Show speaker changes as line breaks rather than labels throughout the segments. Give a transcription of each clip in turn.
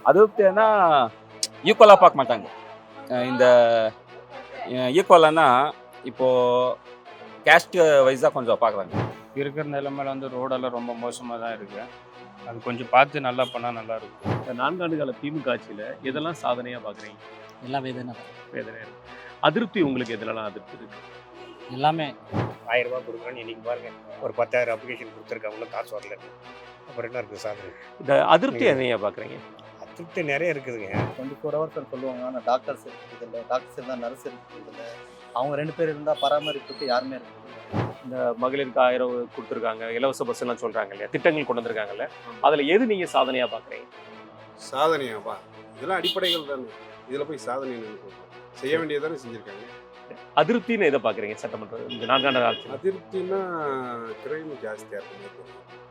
அதிருப்தினா ஈக்குவலாக பார்க்க மாட்டாங்க. இந்த ஈக்குவலானா இப்போது கேஸ்ட் வைஸாக கொஞ்சம் பார்க்குறாங்க.
இருக்கிற நிலைமையில வந்து ரோடெல்லாம் ரொம்ப மோசமாக தான் இருக்குது. அது கொஞ்சம் பார்த்து நல்லா பண்ணால் நல்லாயிருக்கும்.
இந்த 4 ஆண்டு கால திமுக ஆட்சியில் எதெல்லாம் சாதனையாக பார்க்குறீங்க?
எல்லாம் வேதனை தான்.
வேதனை இருக்கு. அதிருப்தி உங்களுக்கு எதுலலாம் அதிருப்தி இருக்கு?
எல்லாமே
1000 ரூபா கொடுக்குறேன்னு இன்னைக்கு பாருங்க ஒரு 10,000 அப்ளிகேஷன் கொடுத்துருக்காங்க, காசு வரல. அப்புறம் என்ன இருக்குது சாதனை?
இந்த அதிருப்தி எதையா பார்க்குறீங்க?
அதிருப்தி நிறைய இருக்குதுங்க.
24 ஹவர்ஸ் சொல்லுவாங்க, ஆனால் டாக்டர்ஸ் இருக்குது இல்லை, டாக்டர்ஸ் இருந்தால் நர்ஸ் இருக்குது இல்லை, அவங்க 2 பேர் இருந்தால் பராமரிப்புக்கு யாருமே இருக்குது.
இந்த மகளிருக்கு 1000 கொடுத்துருக்காங்க, இலவச பஸ்ஸெல்லாம் சொல்கிறாங்க இல்லையா, திட்டங்கள் கொண்டு வந்திருக்காங்கல்ல, அதில் எது நீங்கள் சாதனையாக பார்க்குறீங்க?
சாதனையாப்பா, இதெல்லாம் அடிப்படைகள் தானே. இதில் போய் சாதனை செய்ய வேண்டியதானே செஞ்சுருக்காங்க.
அதிருப்தின்னு எதை பார்க்குறீங்க சட்டமன்றம் இந்த 4 ஆண்டு ஆட்சி?
அதிருப்தின்னா கிரைம் ஜாஸ்தியாக இருக்கும்.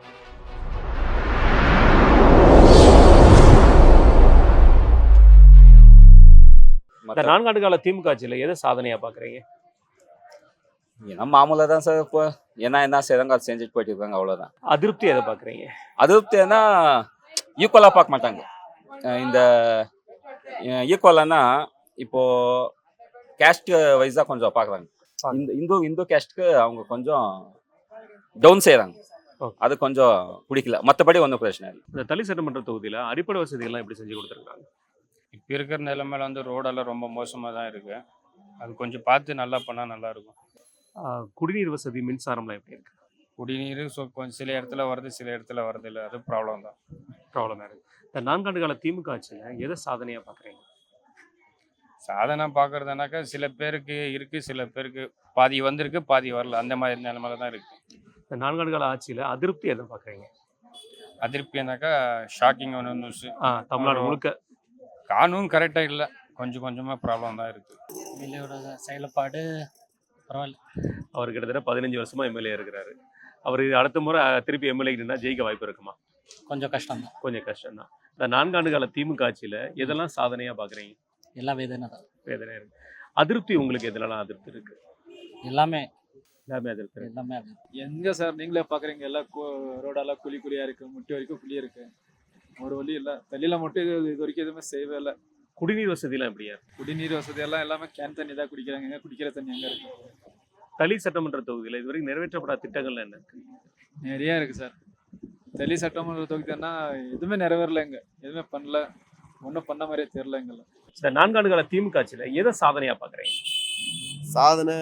இந்த 4 ஆண்டு கால திமுக ஆட்சியில் எதை சாதனையாக பார்க்குறீங்க?
ஏன்னா மாமூலாக தான் சார். இப்போ என்ன செய்கிறாங்க அதை செஞ்சுட்டு போயிட்டு இருக்காங்க, அவ்வளோதான்.
அதிருப்தி எதை பார்க்குறீங்க?
அதிருப்தினா ஈக்குவலாக பார்க்க மாட்டாங்க. இந்த ஈக்குவலானா இப்போது கேஸ்ட் வைஸாக கொஞ்சம் பார்க்குறாங்க. இந்து கேஸ்ட்டுக்கு அவங்க கொஞ்சம் டவுன் செய்கிறாங்க. அது கொஞ்சம் பிடிக்கல, மற்றபடி ஒன்றும் பிரச்சனை இல்லை.
இந்த தளி சட்டமன்ற தொகுதியில் அடிப்படை வசதிகள்லாம் எப்படி செஞ்சு கொடுத்துருக்காங்க?
இப்போ இருக்கிற நிலைமையில வந்து ரோடெல்லாம் ரொம்ப மோசமாக தான் இருக்குது. அது கொஞ்சம் பார்த்து நல்லா பண்ணால் நல்லாயிருக்கும்.
குடிநீர் வசதி, மின்சாரம்லாம் எப்படி இருக்கு?
குடிநீர் கொஞ்சம் சில இடத்துல வருது, சில இடத்துல வரது இல்லை. அது ப்ராப்ளம் தான்.
ப்ராப்ளமாக இருக்குது. இந்த 4 ஆண்டு கால திமுக ஆட்சியில் எதை சாதனையாக பார்க்குறீங்க?
சாதனை பார்க்குறதுனாக்கா சில பேருக்கு இருக்குது, சில பேருக்கு பாதி வந்திருக்கு, பாதி வரல. அந்த மாதிரி நிலைமையில தான் இருக்குது.
இந்த 4 ஆண்டு கால ஆட்சியில் அதிருப்தி எதை பார்க்குறீங்க?
அதிருப்தினாக்கா ஷாக்கிங் ஒன்று நியூஸு.
தமிழ்நாடு முழுக்க
காணும் கரெக்டாக இல்லை, கொஞ்சம் கொஞ்சமாக ப்ராப்ளம் தான் இருக்குது.
எம்எல்ஏவோட செயல்பாடு பரவாயில்ல.
அவர் கிட்டத்தட்ட 15 வருஷமாக எம்எல்ஏ இருக்கிறாரு. அவர் அடுத்த முறை திருப்பி எம்எல்ஏ ஜெயிக்க வாய்ப்பு இருக்குமா?
கொஞ்சம் கஷ்டம்தான்.
கொஞ்சம் கஷ்டம்தான். இந்த 4 ஆண்டு கால திமுக ஆட்சியில் எதெல்லாம் சாதனையாக பார்க்குறீங்க?
எல்லாம் வேதனை தான்.
வேதனை இருக்கு. அதிருப்தி உங்களுக்கு எதுலலாம் அதிருப்தி இருக்கு?
எல்லாமே
அதிருப்தி இருக்கு.
எல்லாமே அது.
எங்க சார் நீங்களே பாக்குறீங்க, எல்லாம் ரோடெல்லாம் குழியா இருக்கு, முட்டி வரைக்கும் குழி இருக்கு, ஒரு வழி இல்லை. தண்ணியில மட்டும் இது வரைக்கும் எதுவுமே செய்யவே இல்லை.
குடிநீர் வசதிலாம் எப்படியா?
குடிநீர் வசதி எல்லாம் எல்லாமே கேன் தண்ணி தான் குடிக்கிறாங்க. எங்க குடிக்கிற தண்ணி எங்க இருக்கு?
தளி சட்டமன்ற தொகுதியில் இதுவரைக்கும் நிறைவேற்றப்படாத திட்டங்கள் என்ன இருக்கு?
நிறைய இருக்கு சார். டெல்லி சட்டமன்ற தொகுதினா எதுவுமே நிறைவேறல, எங்க எதுவுமே பண்ணல, ஒன்றும் பண்ண மாதிரியே தெரியல எங்களை.
இந்த 4 ஆண்டு கால திமுக ஆட்சியில் எதை சாதனையாக பார்க்குறீங்க?
சாதனை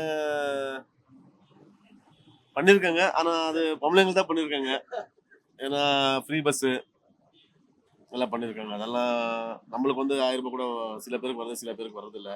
பண்ணியிருக்காங்க, ஆனால் அது பொம்பளைங்களுக்கு தான் பண்ணியிருக்காங்க. ஏன்னா ஃப்ரீ பஸ்ஸு எல்லாம் பண்ணியிருக்காங்க. அதெல்லாம் நம்மளுக்கு வந்து 1000 ரூபாய் கூட சில பேருக்கு வருது, சில பேருக்கு வர்றதில்லை.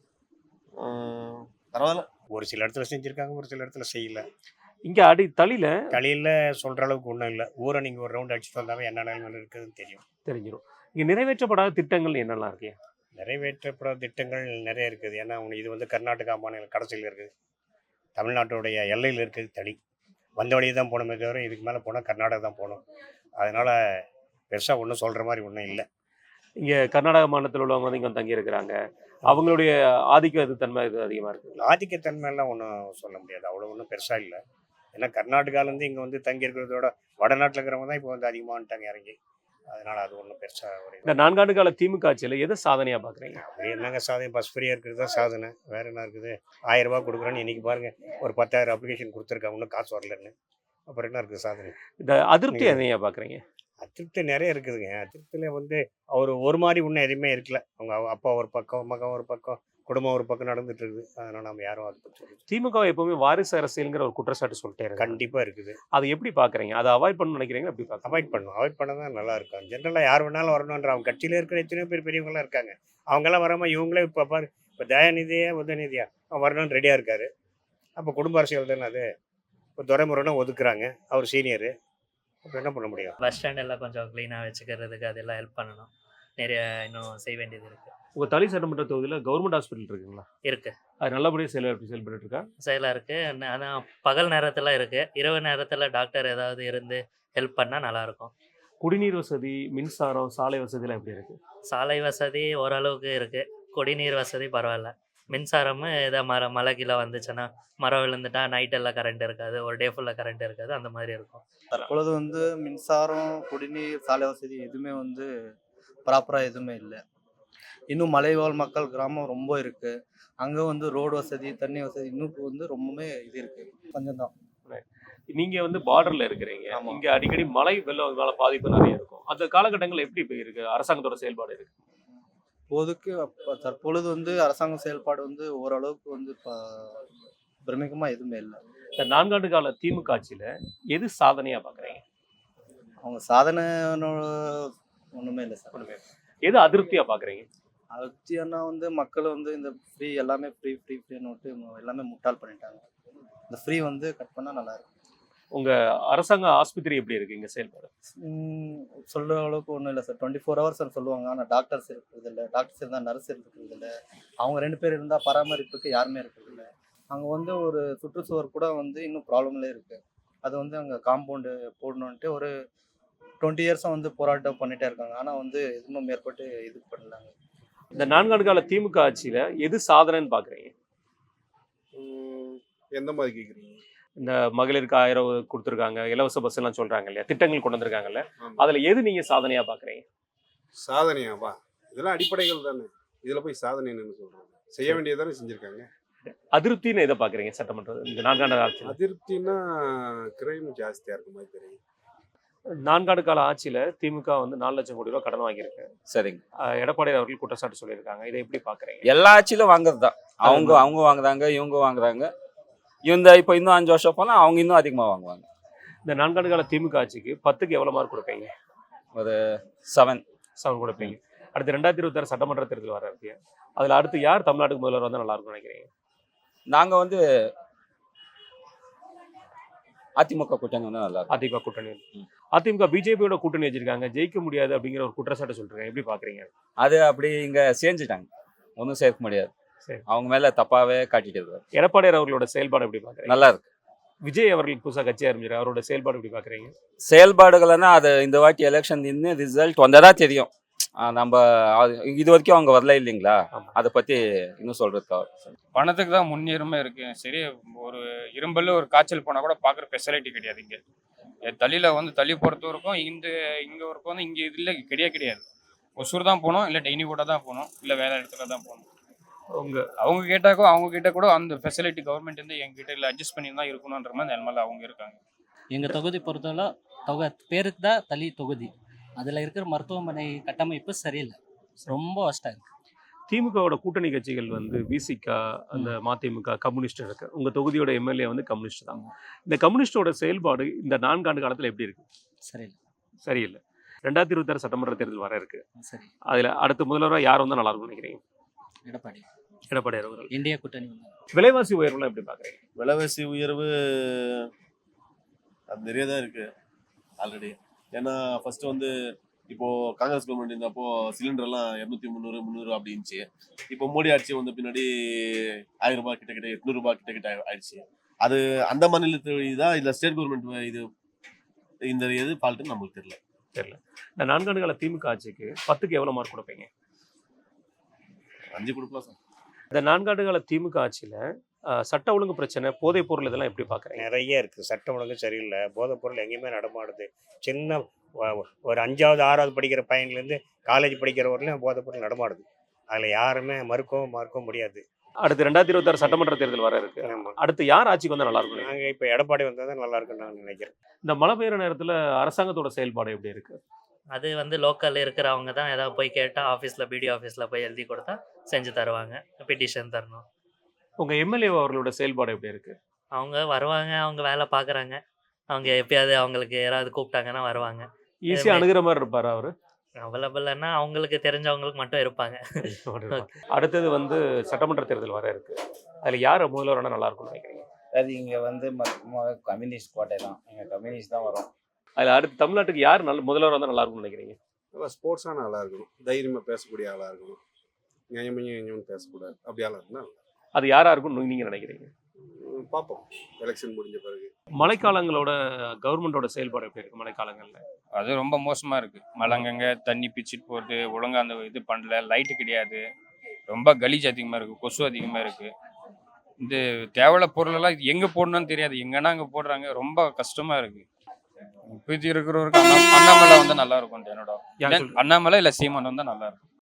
பரவாயில்ல.
ஒரு சில இடத்துல செஞ்சுருக்காங்க, ஒரு சில இடத்துல செய்யல.
இங்கே தளியில்
தலையில் சொல்கிற அளவுக்கு ஒன்றும் இல்லை. ஊரை நீங்கள் ஒரு ரவுண்ட் அடிச்சுட்டு வந்தாவே என்ன நிலைமையில் இருக்குதுன்னு
தெரிஞ்சிடும். இங்கே நிறைவேற்றப்படாத திட்டங்கள் என்னெல்லாம் இருக்கு?
நிறைவேற்றப்படாத திட்டங்கள் நிறைய இருக்குது. ஏன்னா இது வந்து கர்நாடகா மாநில கடைசியில் இருக்குது, தமிழ்நாட்டுடைய எல்லையில் இருக்குது. தளி வந்த வழியே தான் போகணுமே தவிர இதுக்கு மேலே போனால் கர்நாடகா தான் போகணும். அதனால் பெருசாக ஒன்றும் சொல்கிற மாதிரி ஒன்றும் இல்லை.
இங்கே கர்நாடக மாநிலத்தில் உள்ளவங்க வந்து இங்கே தங்கி இருக்கிறாங்க, அவங்களுடைய ஆதிக்க தன்மை இது அதிகமாக இருக்குது.
ஆதிக்கத்தன்மையெல்லாம் ஒன்றும் சொல்ல முடியாது, அவ்வளோ ஒன்றும் பெருசாக இல்லை. ஏன்னா கர்நாடகாலேருந்து இங்கே வந்து தங்கி இருக்கிறதோட வடநாட்டில் இருக்கிறவங்க தான் இப்போ வந்து அதிகமாகட்டாங்க இறங்கி. அதனால் அது ஒன்றும் பெருசாக ஒரு
இந்த 4 ஆண்டு கால திமுக ஆட்சியில் எதை சாதனையாக பார்க்குறீங்க?
அப்படி என்னங்க சாதனை? பஸ் ஃப்ரீயாக இருக்கிறது தான் சாதனை, வேறு என்ன இருக்குது? 1000 ரூபா கொடுக்குறேன்னு இன்றைக்கி பாருங்கள் ஒரு 10,000 அப்ளிகேஷன் கொடுத்துருக்காங்க, காசு வரலன்னு. அப்புறம் என்ன இருக்குது சாதனை?
இந்த அதிருப்தி எதையா பார்க்குறீங்க?
அதிருப்தி நிறைய இருக்குதுங்க. அதிருப்தியில் வந்து அவர் ஒரு மாதிரி ஒன்றும் எதுவுமே இருக்கல. அவங்க அப்பா ஒரு பக்கம், மகன் ஒரு பக்கம், குடும்பம் ஒரு பக்கம் நடந்துட்டு இருக்குது. அதனால் நம்ம யாரும் அதை பற்றி
திமுக எப்பவுமே வாரிசு அரசியல்ங்கிற ஒரு குற்றச்சாட்டு சொல்லிட்டே இருக்கு.
கண்டிப்பாக இருக்குது.
அதை எப்படி பார்க்குறீங்க? அதை அவாய்ட் பண்ணணும்னு நினைக்கிறீங்க? எப்படி பார்க்க?
அவாய்ட் பண்ண தான் நல்லா இருக்கும். ஜென்ரலாக யார் வேணாலும் வரணுன்ற அவங்க கட்சியில் இருக்கிற எத்தனையோ பேர் பெரியவங்களாம் இருக்காங்க. அவங்கெல்லாம் வராமல் இவங்களே இப்போ பாரு, இப்போ தயாநிதியா உதயநிதியா அவன் வரணும்னு ரெடியாக இருக்காரு. அப்போ குடும்ப அரசியல் தானே அது. இப்போ துரைமுறைனா ஒதுக்குறாங்க, அவர் சீனியரு. அப்போ என்ன பண்ண முடியும்?
பஸ் ஸ்டாண்ட் எல்லாம் கொஞ்சம் க்ளீனாக வச்சுக்கிறதுக்கு அதெல்லாம் ஹெல்ப் பண்ணணும். நிறைய இன்னும் செய்ய வேண்டியது இருக்குது.
உங்கள் தளி சட்டமன்ற தொகுதியில் கவர்மெண்ட் ஹாஸ்பிட்டல் இருக்குங்களா?
இருக்குது.
அது நல்லபடியாக செயல்பட்டு இருக்கா?
செயலாக இருக்குது. ஆனால் பகல் நேரத்தில் இருக்குது, இரவு நேரத்தில் டாக்டர் ஏதாவது இருந்து ஹெல்ப் பண்ணால் நல்லாயிருக்கும்.
குடிநீர் வசதி, மின்சாரம், சாலை வசதிலாம் எப்படி இருக்குது?
சாலை வசதி ஓரளவுக்கு இருக்குது. குடிநீர் வசதி பரவாயில்ல. மின்சாரமும் ஏதாவது மழை கீழே வந்துச்சுன்னா, மரம் விழுந்துட்டா நைட்டெல்லாம் கரண்ட் இருக்காது, ஒரு டே ஃபுல்லாக கரண்ட் இருக்காது, அந்த மாதிரி இருக்கும்.
தற்பொழுது வந்து மின்சாரம், குடிநீர், சாலை வசதி எதுவுமே வந்து ப்ராப்பராக எதுவுமே இல்லை. இன்னும் மலைவாழ் மக்கள் கிராமம் ரொம்ப இருக்குது. அங்கே வந்து ரோடு வசதி, தண்ணி வசதி இன்னும் வந்து ரொம்பவுமே இது இருக்குது. கொஞ்சம் தான்.
நீங்க வந்து பார்டர்ல இருக்கிறீங்க.
ஆமா.
இங்க அடிக்கடி மழை வெள்ளம் பாதிப்பு நிறைய இருக்கும். அந்த காலகட்டங்கள் எப்படி இப்ப இருக்கு அரசாங்கத்தோட செயல்பாடு இருக்கு?
இப்போதைக்கு தற்பொழுது வந்து அரசாங்க செயல்பாடு வந்து ஓரளவுக்கு வந்து பிரமிக்கமாக எதுவுமே இல்லை.
இந்த 4 ஆண்டு கால திமுக ஆட்சியில எது சாதனையா பாக்குறீங்க?
அவங்க சாதனை ஒன்றுமே இல்லை சார்.
ஒண்ணுமே இல்ல. எது அதிருப்தியா பாக்குறீங்க?
அத்தியானா வந்து மக்கள் வந்து இந்த ஃப்ரீ எல்லாமே ஃப்ரீன்னு விட்டு எல்லாமே முட்டாள் பண்ணிட்டாங்க. இந்த ஃப்ரீ வந்து கட் பண்ணால் நல்லா இருக்கும்.
உங்க அரசாங்க ஆஸ்பத்திரி எப்படி இருக்கு இங்க செயல்பாடு?
சொல்கிற அளவுக்கு ஒன்றும் இல்லை சார். 24 ஹவர்ஸ் சொல்லுவாங்க. ஆனால் டாக்டர்ஸ் இருக்கிறது இல்லை. டாக்டர்ஸ் இருந்தால் நர்ஸ் இருக்கிறது இல்லை. அவங்க 2 பேர் இருந்தால் பராமரிப்புக்கு யாருமே இருக்கிறது இல்லை. அங்கே வந்து ஒரு சுற்றுச்சுவர் கூட வந்து இன்னும் ப்ராப்ளம்லேயே இருக்குது. அது வந்து அங்கே காம்பவுண்டு போடணுன்ட்டு ஒரு 20 இயர்ஸாக வந்து போராட்டம் பண்ணிகிட்டே இருக்காங்க. ஆனால் வந்து எதுவும் மேற்பட்டு இது பண்ணலாங்க.
இந்த 4 ஆண்டு கால திமுக ஆட்சியில எது சாதனைன்னு பாக்குறீங்க?
எந்த மாதிரி கேட்குறீங்க?
இந்த மகளிருக்கு 1000 கொடுத்துருக்காங்க, இலவச பஸ் எல்லாம் சொல்றாங்க இல்லையா, திட்டங்கள் கொண்டு வந்திருக்காங்கல்ல,
ஆமா.
அதுல எது நீங்க சாதனையா பாக்குறீங்க?
சாதனையாப்பா இதெல்லாம் அடிப்படைகள் தானே. இதுல போய் சாதனைன்னு சொல்றாங்க. செய்ய வேண்டியதானே செஞ்சிருக்காங்க.
அதிருப்தின்னு எதை பாக்குறீங்க சட்டமன்ற இந்த 4 ஆண்டு ஆட்சியில?
அதிருப்தினா கிரைம் ஜாஸ்தியா இருக்க மாதிரி தெரியும்.
4 ஆண்டு கால ஆட்சியில திமுக வந்து 4 லட்சம் கோடி ரூபாய் கடன் வாங்கியிருக்கு.
சரிங்க.
எடப்பாடி அவர்கள் குற்றச்சாட்டு சொல்லியிருக்காங்க. இதை எப்படி பாக்குறீங்க?
எல்லா ஆட்சியிலும் வாங்குறது தான். அவங்க வாங்குறாங்க, இவங்க வாங்குறாங்க. இப்போ இன்னும் 5 வருஷம் போனால் அவங்க இன்னும் அதிகமாக வாங்குவாங்க.
இந்த 4 ஆண்டு கால திமுக ஆட்சிக்கு 10க்கு எவ்வளவு மார்க் கொடுப்பீங்க?
ஒரு 7.
7 கொடுப்பீங்க. அடுத்து 2026 சட்டமன்ற தேர்தல் வர இருக்கு. அதுல அடுத்து யார் தமிழ்நாட்டுக்கு முதல்வர் வந்தா நல்லா இருக்கும்னு நினைக்கிறீங்க?
நாங்கள் வந்து அதிமுக கூட்டணி வந்து நல்லா இருக்கும்.
அதிமுக கூட்டணி. அதிமுக பிஜேபியோட கூட்டணி வச்சிருக்காங்க, ஜெயிக்க முடியாது அப்படிங்கிற ஒரு குற்றச்சாட்டு சொல்றேன். எப்படி பாக்குறீங்க?
அது அப்படி இங்கே செஞ்சுட்டாங்க, ஒன்றும் சேர்க்க முடியாது.
சரி.
அவங்க மேலே தப்பாகவே காட்டிட்டு இருக்காரு.
எடப்பாடி அவர்களோட செயல்பாடு எப்படி பாக்குறீங்க?
நல்லா இருக்கு.
விஜய் அவர்கள் புதுசா கட்சி ஆரம்பிச்சிருக்காரு, அவரோட செயல்பாடு எப்படி பாக்குறீங்க?
செயல்பாடுகள்னா அது இந்த வாட்டி எலெக்ஷன் நின்று ரிசல்ட் வந்ததா தெரியும். நம்ம இது வரைக்கும் அவங்க வரல இல்லைங்களா, அதை பற்றி இன்னும் சொல்கிறதுக்கா.
பணத்துக்கு தான் முன்னுரிமை இருக்கு. சரி, ஒரு இரும்பல்ல ஒரு காய்ச்சல் போனால் கூட பார்க்குற ஃபெசிலிட்டி கிடையாது இங்கே. தள்ளியில் வந்து தள்ளி பொறுத்த வரைக்கும் இங்கே வரைக்கும் வந்து இங்கே இதில் கிடையாது. ஒசூர் தான் போகணும், இல்லை டெய்னி கூட தான் போகணும், இல்லை வேறு இடத்துல தான் போகணும். அவங்க கிட்ட கூட அந்த ஃபெசிலிட்டி கவர்மெண்ட் வந்து எங்ககிட்ட இல்லை அட்ஜஸ்ட் பண்ணி தான் இருக்கணுன்ற மாதிரி நிலமையில அவங்க இருக்காங்க.
எங்கள் தொகுதி பொறுத்தவரை பேருக்கு தான் தளி தொகுதி. அதில் இருக்கிற மருத்துவமனை கட்டமைப்பு சரியில்லை, ரொம்ப வஸ்டாக இருக்குது.
திமுகவோட கூட்டணி கட்சிகள் வந்து விசிக, அந்த மதிமுக, கம்யூனிஸ்ட் இருக்கு. உங்க தொகுதியோட எம்எல்ஏ வந்து கம்யூனிஸ்ட் தான். இந்த கம்யூனிஸ்டோட செயல்பாடு இந்த 4 ஆண்டு காலத்துல எப்படி இருக்கு?
சரியில்லை.
சரியில்லை. 2026 சட்டமன்ற தேர்தல் வர இருக்கு.
சரி.
அதுல அடுத்த முதல்வராக யார் வந்தா நல்லா இருக்கும்னு நினைக்கிறீங்க? எடப்பாடி அவர்கள்.
இந்தியா கூட்டணி
விலைவாசி உயர்வுலாம் எப்படி பாக்குறீங்க?
விலைவாசி உயர்வு அது நிறைய தான் இருக்கு ஆல்ரெடி. ஏன்னா ஃபர்ஸ்ட் வந்து இப்போ காங்கிரஸ் கவர்மெண்ட் இருந்தப்போ சிலிண்டர்லாம் 200, 300, 300 அப்படி இருந்துச்சு. இப்போ மோடி ஆட்சி வந்த பின்னாடி 1000 ரூபாய் கிட்ட 800 ரூபாய் கிட்ட ஆயிடுச்சு. அது அந்த மாநிலத்து தான் இல்லை ஸ்டேட் கவர்மெண்ட் இது இந்த எது ஃபால்ட்டுன்னு நம்மளுக்கு தெரியல.
இந்த 4 ஆண்டு கால திமுக ஆட்சிக்கு 10க்கு எவ்வளவு மார்க் கொடுப்பீங்க?
5 கொடுக்கலாம் சார்.
இந்த 4 ஆண்டு கால திமுக ஆட்சியில சட்ட ஒழுங்கு பிரச்சனை, போதைப் பொருள் இதெல்லாம் எப்படி பாக்குறீங்க?
நிறைய இருக்குது. சட்டம் ஒழுங்கு சரியில்லை. போதைப் பொருள் எங்கேயுமே நடமாடுது. சின்ன ஒரு 5வது 6வது படிக்கிற பையன்லேருந்து காலேஜ் படிக்கிற வரலையும் போதைப் பொருள் நடமாடுது. அதில் யாருமே மறுக்கவும் முடியாது.
அடுத்து 2026 சட்டமன்ற தேர்தல் வர இருக்கு. அடுத்து யார் ஆட்சிக்கு வந்தா நல்லா இருக்கும்?
நாங்கள் இப்போ எடப்பாடி வந்தால் தான் நல்லா இருக்குன்னு நான் நினைக்கிறேன்.
இந்த மழை பெய்யுற நேரத்துல அரசாங்கத்தோட செயல்பாடு எப்படி இருக்கு?
அது வந்து லோக்கலில் இருக்கிறவங்க தான் ஏதாவது போய் கேட்டால் ஆஃபீஸில் பிடிஓ ஆஃபீஸில் போய் எழுதி கொடுத்தா செஞ்சு தருவாங்க, பெட்டிஷன் தரணும்.
உங்க எம்எல்ஏ அவர்களோட செயல்பாடு எப்படி இருக்கு?
அவங்க வருவாங்க, அவங்க வேலை பார்க்குறாங்க. அவங்க எப்பயாவது அவங்களுக்கு யாராவது கூப்பிட்டாங்கன்னா வருவாங்க.
ஈஸியா அணுகிற மாதிரி இருப்பாரு அவரு?
அவைலபிள்னா அவங்களுக்கு தெரிஞ்சவங்களுக்கு மட்டும் இருப்பாங்க.
அடுத்தது வந்து சட்டமன்ற தேர்தல் வர இருக்கு. அதுல யார் முதல்வரான நல்லா இருக்கும்னு நினைக்கிறீங்க?
அது இங்கே வந்து கம்யூனிஸ்ட் கோட்டை தான், இங்கே கம்யூனிஸ்ட் தான் வரும்.
அதுல அடுத்து தமிழ்நாட்டுக்கு யார் முதல்வர் வந்தா நல்லா இருக்கும்னு நினைக்கிறீங்க?
நல்லா ஸ்போர்ட்ஸான ஆளாக இருக்கணும், தைரியமாக பேசக்கூடிய ஆளாக இருக்கணும், நியாயமையும் பேசக்கூடாது. அப்படி ஆளாக இருந்தால்
அது யாரா இருக்கும்னு நீங்க நினைக்கிறீங்க?
பார்ப்போம் எலெக்ஷன் முடிஞ்ச பிறகு.
மழைக்காலங்களோட கவர்மெண்டோட செயல்பாடு எப்படி இருக்கு மழைக்காலங்கள்ல?
அது ரொம்ப மோசமாக இருக்குது. மழைங்கங்க தண்ணி பிச்சுட்டு போட்டு ஒழுங்காக அந்த இது பண்ணல, லைட்டு கிடையாது, ரொம்ப கலீஜ் அதிகமாக இருக்குது, கொசு அதிகமாக இருக்குது. இந்த தேவையான பொருளெல்லாம் இது எங்கே போடணும்னு தெரியாது, எங்கன்னா அங்கே போடுறாங்க, ரொம்ப கஷ்டமாக இருக்குது. இப்போதைக்கு இருக்கிறவருக்கு அண்ணாமலை வந்து நல்லா இருக்கும் என்னோட
யார் சொல்றது?
அண்ணாமலை இல்லை சீமான் வந்து நல்லா இருக்கும்.